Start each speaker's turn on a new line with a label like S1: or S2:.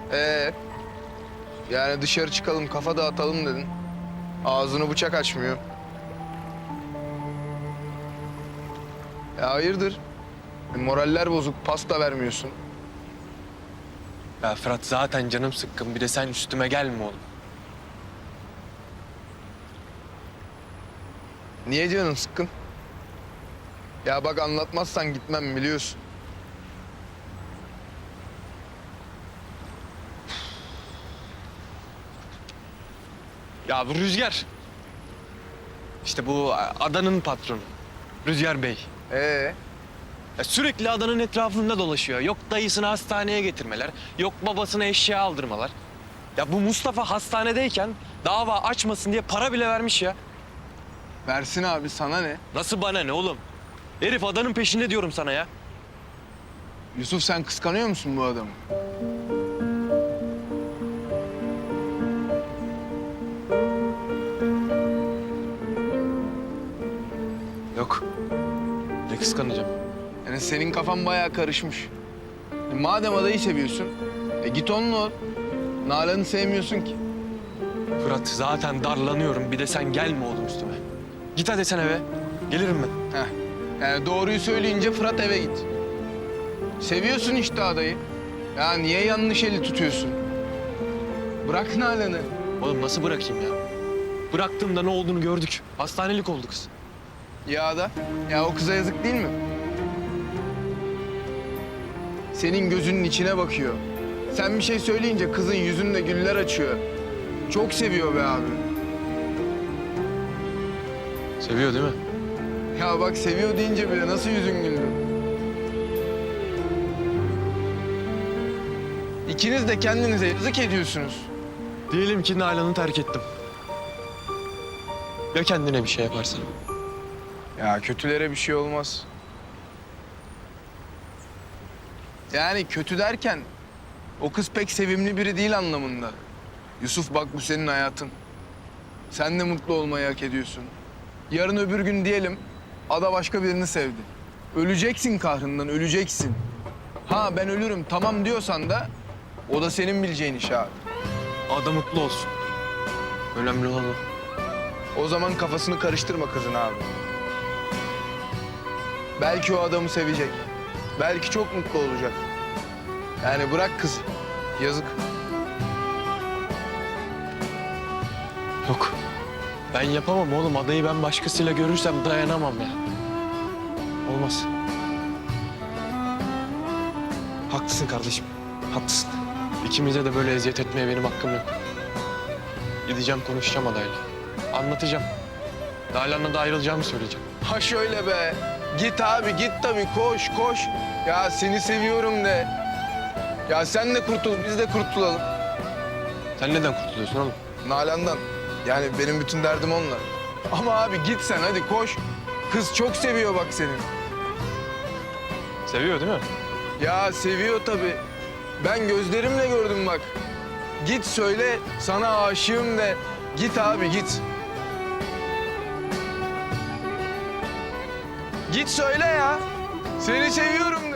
S1: Ee, Yani dışarı çıkalım, kafa dağıtalım dedin. Ağzını bıçak açmıyor. Ya hayırdır? Moraller bozuk, pasta vermiyorsun.
S2: Ya Fırat zaten canım sıkkın. Bir de sen üstüme gelme oğlum.
S1: Niye canın sıkkın? Ya bak anlatmazsan gitmem biliyorsun.
S2: Ya bu Rüzgar. İşte bu adanın patronu. Rüzgar Bey.
S1: Ee,
S2: Ya sürekli adanın etrafında dolaşıyor. Yok dayısını hastaneye getirmeler, yok babasına eşya aldırmalar. Ya bu Mustafa hastanedeyken dava açmasın diye para bile vermiş ya.
S1: versin abi, sana ne?
S2: Nasıl bana ne oğlum? Herif adanın peşinde diyorum sana ya.
S1: Yusuf, sen kıskanıyor musun bu adamı?
S2: Yok. Ne kıskanacağım?
S1: Yani senin kafan bayağı karışmış. Madem adayı seviyorsun, git onunla ol. Nalan'ı sevmiyorsun ki.
S2: Fırat zaten darlanıyorum. Bir de sen gelme oğlum üstüme. Git hadi sen eve. Gelirim ben.
S1: Heh. Yani doğruyu söyleyince Fırat eve git. Seviyorsun işte adayı. Ya niye yanlış eli tutuyorsun? Bırak Nalan'ı.
S2: Oğlum nasıl bırakayım ya? Bıraktığımda ne olduğunu gördük. Hastanelik oldu kız.
S1: Ya da, ya o kıza yazık değil mi? Senin gözünün içine bakıyor. Sen bir şey söyleyince kızın yüzünde güller açıyor. Çok seviyor be abi.
S2: Seviyor değil mi?
S1: Ya bak, seviyor deyince bile nasıl yüzün güldü. İkiniz de kendinize yazık ediyorsunuz.
S2: Diyelim ki Nalan'ı terk ettim. Ya kendine bir şey yaparsan?
S1: Ya kötülere bir şey olmaz. Yani kötü derken o kız pek sevimli biri değil anlamında. Yusuf bak, bu senin hayatın. Sen de mutlu olmayı hak ediyorsun. Yarın öbür gün diyelim ada başka birini sevdi. Öleceksin kahrından, öleceksin. Ha ben ölürüm tamam diyorsan da o da senin bileceğin iş abi.
S2: Ada mutlu olsun. Önemli olan o.
S1: O zaman kafasını karıştırma kızın abi. Belki o adamı sevecek. Belki çok mutlu olacak. Yani bırak kızı. Yazık.
S2: Yok. Ben yapamam oğlum. Adayı ben başkasıyla görürsem dayanamam ya. Olmaz. Haklısın kardeşim. Haklısın. İkimize de böyle eziyet etmeye benim hakkım yok. Gideceğim, konuşacağım adayla. Anlatacağım. Nalan'la da ayrılacağımı söyleyeceğim.
S1: Ha şöyle be. Git abi git tabii, koş koş. Ya seni seviyorum de. Ya sen de kurtul, biz de kurtulalım.
S2: Sen neden kurtuluyorsun oğlum?
S1: Nalan'dan. Yani benim bütün derdim onunla. Ama abi git sen, hadi koş. Kız çok seviyor bak seni.
S2: Seviyor değil mi?
S1: Ya seviyor tabii. Ben gözlerimle gördüm bak. Git söyle, sana aşığım de. Git abi git. Git söyle ya. Seni seviyorum